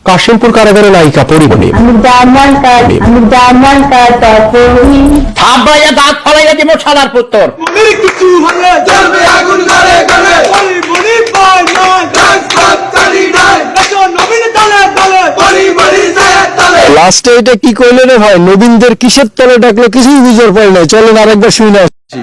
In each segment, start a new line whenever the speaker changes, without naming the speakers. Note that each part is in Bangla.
কাশিমপুর কারাগারে নায়িকা পরিমণি।
দাঁত ফলাইয়া দিব সাদার পুত্তর।
লাস্টে এটা কি কইলে রে ভাই, নবীনদের কিসের তলে ডাকলো কিছুই বুঝার পাই নাই। চলেন আরেকবার শুনে আসছি।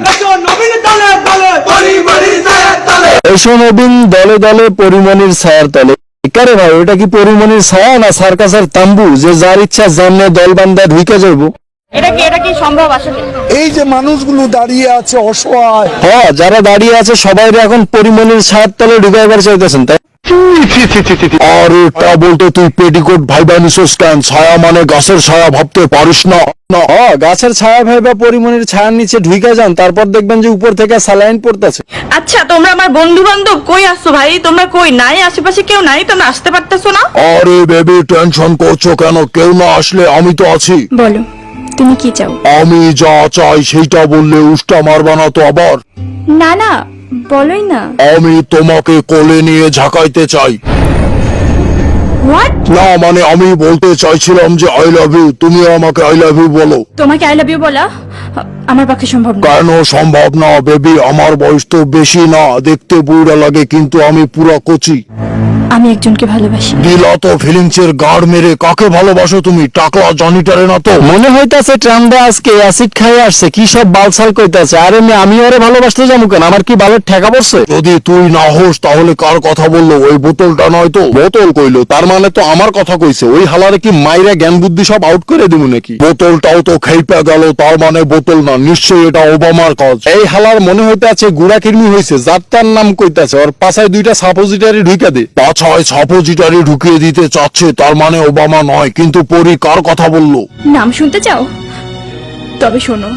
এসো নবীন দলে দলে পরিমণির ছায়ার তলে। কারে ভাই, ওটা কি পরিমণির ছায়া না সার্কাসের তাম্বু যে যার ইচ্ছা জানলে দল বান্ধা ঢুকে যাবো?
এটা কি সম্ভব আসলে?
এই যে মানুষগুলো দাঁড়িয়ে আছে অসহায়,
হ্যাঁ যারা দাঁড়িয়ে আছে সবাই এখন পরিমণির ছায়ার তলে ঢুকাইবার চাইতেছেন, তাই? আর তা বলতে তুই পেটিকোট ভাইবা নিছস কেন? ছায়া মানে গাছের ছায়া ভাবতে পারিস না? গাছের ছায়া ভাইবা পরিমণির ছায়ার নিচে ঢুকে যান, তারপর দেখবেন যে উপর থেকে স্যালাইন পড়তেছে।
আচ্ছা তোমরা আমার বন্ধু বান্ধব কই আসছো ভাই? তোমরা কই? নাই আশেপাশে কেউ নাই? তোমরা আসতে পারতেছো না?
আরে বেবি টেনশন করছো কেন? কেউ না আসলে আমি তো আছি।
বলো তুমি কি চাও?
আমি যা চাই সেইটা বললে উষ্টা মারবা না তো আবার?
না না বলোই না।
আমি তোমাকে কোলে নিয়ে ঝাঁকাইতে চাই।
হোয়াট?
না মানে আমি বলতে চাইছিলাম যে আই লাভ ইউ, তুমি আমাকে আই লাভ ইউ বলো।
তোমাকে আই লাভ ইউ বলা আমার পক্ষে সম্ভব না।
কেন সম্ভব না বেবি? আমার বয়স তো বেশি না, দেখতে বুড়া লাগে কিন্তু আমি পুরা কচি।
আমি একজনকে ভালোবাসি।
দিলা তো ফিলিংস এর গাড় মেরে। কাকে ভালোবাসো তুমি? টাকলা জনিটারে না তো? মনে হইতাছে ট্রান্ডা আজকে অ্যাসিড খাইয়ে আসছে, কি সব বালসাল কইতাছে। আরে আমি ওরে ভালোবাসতে যাবো কেন? আমার কি বালের ঠেকা পড়ছে? যদি তুই না হোস তাহলে কার কথা বললো? ওই বোতলটা নয় তো? বোতল কইলো তার মানে তো আমার কথা কইছে। ওই হালারে কি মাইরা জ্ঞান বুদ্ধি সব আউট করে দিব নাকি? বোতলটাও তো খেইপা গেল, তার মানে বোতল না, নিশ্চয়ই এটা ওবামার কাজ। এই হালার মনে হইতাছে গুড়া কিরমি হয়েছে, যার তার নাম কইতাছে। ওর পাছায় দুইটা সাপোজিটারি ঢুকে দে। পাছায় সাপোজিটারি ঢুকিয়ে দিতে চাচ্ছে, তার মানে ওবামা নয়। কিন্তু পরি কার কথা বললো?
নাম শুনতে চাও? তবে শোনো,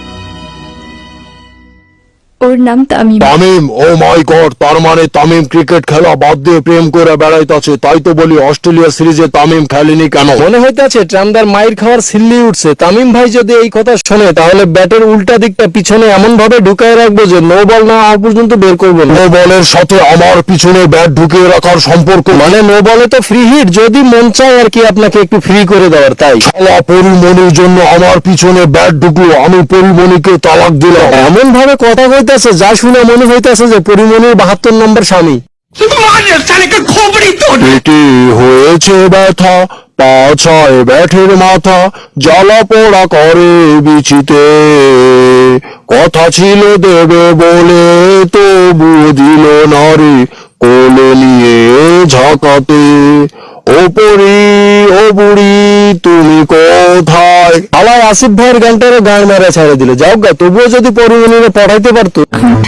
ওর নাম Tamim.
Tamim? Oh my god, তার মানে তামিম ক্রিকেট খেলা বাদ দিয়ে প্রেম করে বেড়াইতেছে। তাই তো বলি অস্ট্রেলিয়া সিরিজে তামিম খেলেনি কেন? মনে হইতেছে ট্রান্ডার মাইর খাওয়ার সিল্লি উঠছে। তামিম ভাই যদি এই কথা শোনে তাহলে ব্যাটের উল্টা দিকটা পিছনে এমন ভাবে ঢুকায় রাখবো যে নো বল না হওয়া পর্যন্ত বের করবো। নো বলের সাথে আমার পিছনে ব্যাট ঢুকিয়ে রাখার সম্পর্ক মানে নো বলে তো ফ্রি হিট, যদি মন চায় আর কি আপনাকে একটু ফ্রি করে দেওয়ার। তাই শালা পরিমণির জন্য আমার পিছনে ব্যাট ঢুকলো, আমি পরিমণিকে তালাক দিলাম। এমন ভাবে কথা কইতাছে যা শুনে মনে হইতাছে যে পরিমণির 72 নম্বর স্বামী। পেটে হয়েছে ব্যথা, পাছায় ব্যাঠের মাথা, জ্বালা পোড়া করে বিচিতে। কথা ছিল দেবে বলে তবু দিল না রে, কোলে নিয়ে ঝাঁকাতে। ও পরি ও বুড়ি তুমি কোথায়? আলাই আসিফ ভাইয়ের গানটারও গান মারা ছেড়ে দিল। যাও গা, তবুও যদি পরিমণিরে পড়াইতে পারতো।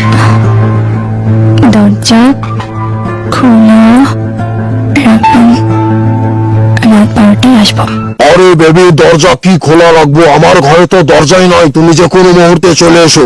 দরজা খোলা রাখবেন, রাত 12টায় আসবো।
আরে বেবি দরজা কি খোলা রাখবো? আমার ঘরে তো দরজাই নয়, তুমি যে কোনো মুহূর্তে চলে এসো।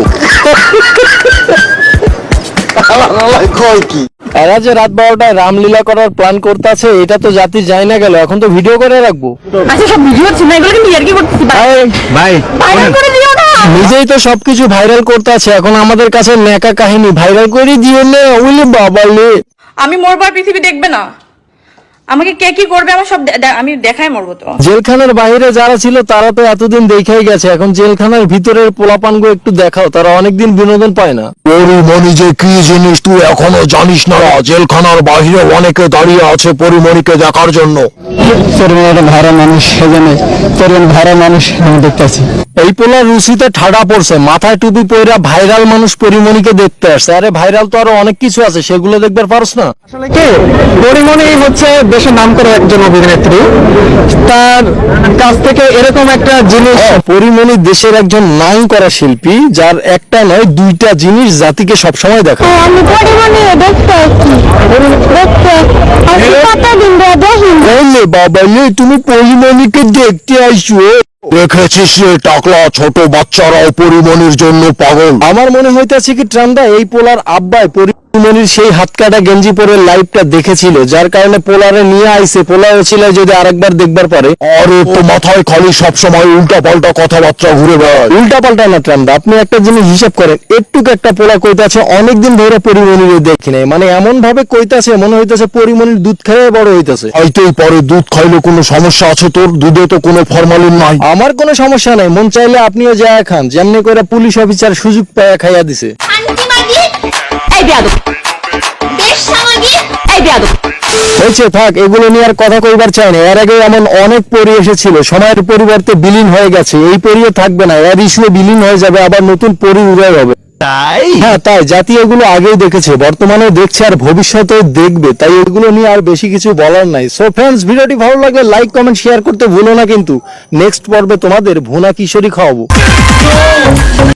এরা যে রাত 12টায় রামলীলা করার প্ল্যান করতেছে, এটা তো জাতি যায় না গেল। এখন তো ভিডিও করে রাখবো।
আচ্ছা সব ভিডিও হচ্ছে না, এগুলো কিন্তু ইয়ার্কি করতেছি
ভাই
ভাইরাল করে দিও না।
নিজেই তো সবকিছু ভাইরাল করতে আছে, এখন আমাদের কাছে নেকা কাহিনী ভাইরাল করে দিয়ে নে। ওইলে বাবা লে,
আমি মরবার পৃথিবী দেখবে না। আমাকে কে কি করবে আমার সব আমি দেখাই মরবো তো।
জেলখানার বাইরে যারা ছিল তারা তো এতদিন দেখাই গেছে, এখন জেলখানার ভিতরের পোলাপানগো একটু দেখাও, তারা অনেকদিন বিনোদন পায় না। পরিমণি যে কি জিনিস তুই এখনো জানিস না? জেলখানার বাইরে অনেকে দাঁড়িয়ে আছে পরিমণিকে দেখার জন্য।
ভাড়া মানুষ সেজন্য ভাড়া মানুষ আমি দেখতেছি।
এই পোলা রুচিতে ঠাডা পড়ছে, মাথায় টুপি পয়রা ভাইরাল মানুষ পরিমণিকে দেখতে আসছে। আরে ভাইরাল তো আরো অনেক কিছু আছে, সেগুলো দেখবার পারস না?
আসলে কি পরিমণি হচ্ছে দেশের নাম করে একজন অভিনেত্রী, তার কাছ থেকে এরকম একটা জিনিস।
পরিমণি দেশের একজন নাম করা শিল্পী, যার একটা নয় দুইটা জিনিস জাতিকে সবসময় দেখায়।
আমি পরিমণি দেখতে আসছি, কতদিন ধরে দেখি।
বাবা তুমি পরিমণিকে দেখতে আসছো? দেখেছিস রে টাকলা, ছোট বাচ্চারাও পরিমণির জন্য পাগল। আমার মনে হইতেছে কি ট্রামদা এই পোলার আব্বাই পরিমণির সেই হাত কাটা গেঞ্জি পরে লাইভটা দেখেছিল, যার কারণে পোলারে নিয়ে আইছে। পোলার ছিল যদি আরেকবার দেখবার পারে। আরে তো মাথায় খালি সবসময় উল্টা পাল্টা কথাবার্তা ঘুরে বেড়ায়। উল্টা পাল্টা না ট্রামদা, আপনি একটা জিনিস হিসাব করেন, একটুক একটা পোলা কইতাছে অনেকদিন ধরে পরিমণির দেখি নাই, মানে এমন ভাবে কইতাছে মনে হইতাছে পরিমণির দুধ খেয়ে বড় হইতাছে। হয়তোই পরে দুধ খাইলে কোনো সমস্যা আছে তোর? দুধে তো কোনো ফরমালিন নাই। আমার কোনো সমস্যা নাই, মন চাইলে আপনিও যায় খান, যেমনি করে পুলিশ অফিসার সুযোগ পায়া খাইয়া দিছে। হয়েছে থাক, এগুলো নিয়ে আর কথা কইবার চাই না। এর আগে এমন অনেক পরি এসেছিল, সময়ের পরিবর্তে বিলীন হয়ে গেছে। এই পরিও থাকবে না, এর ইস্যুয়ে বিলীন হয়ে যাবে, আবার নতুন পরি উদয় হবে। তাই হ্যাঁ, তাই জাতি এগুলো আগেই দেখেছে, বর্তমানে দেখছে আর ভবিষ্যতেও দেখবে, তাই এগুলো নিয়ে আর বেশি কিছু বলার নাই। সো ফ্রেন্ডস, ভিডিওটি ভালো লাগলে লাইক কমেন্ট শেয়ার করতে ভুলো না, কিন্তু নেক্সট পর্বে তোমাদের ভুনা কিশোরী খাওয়াবো।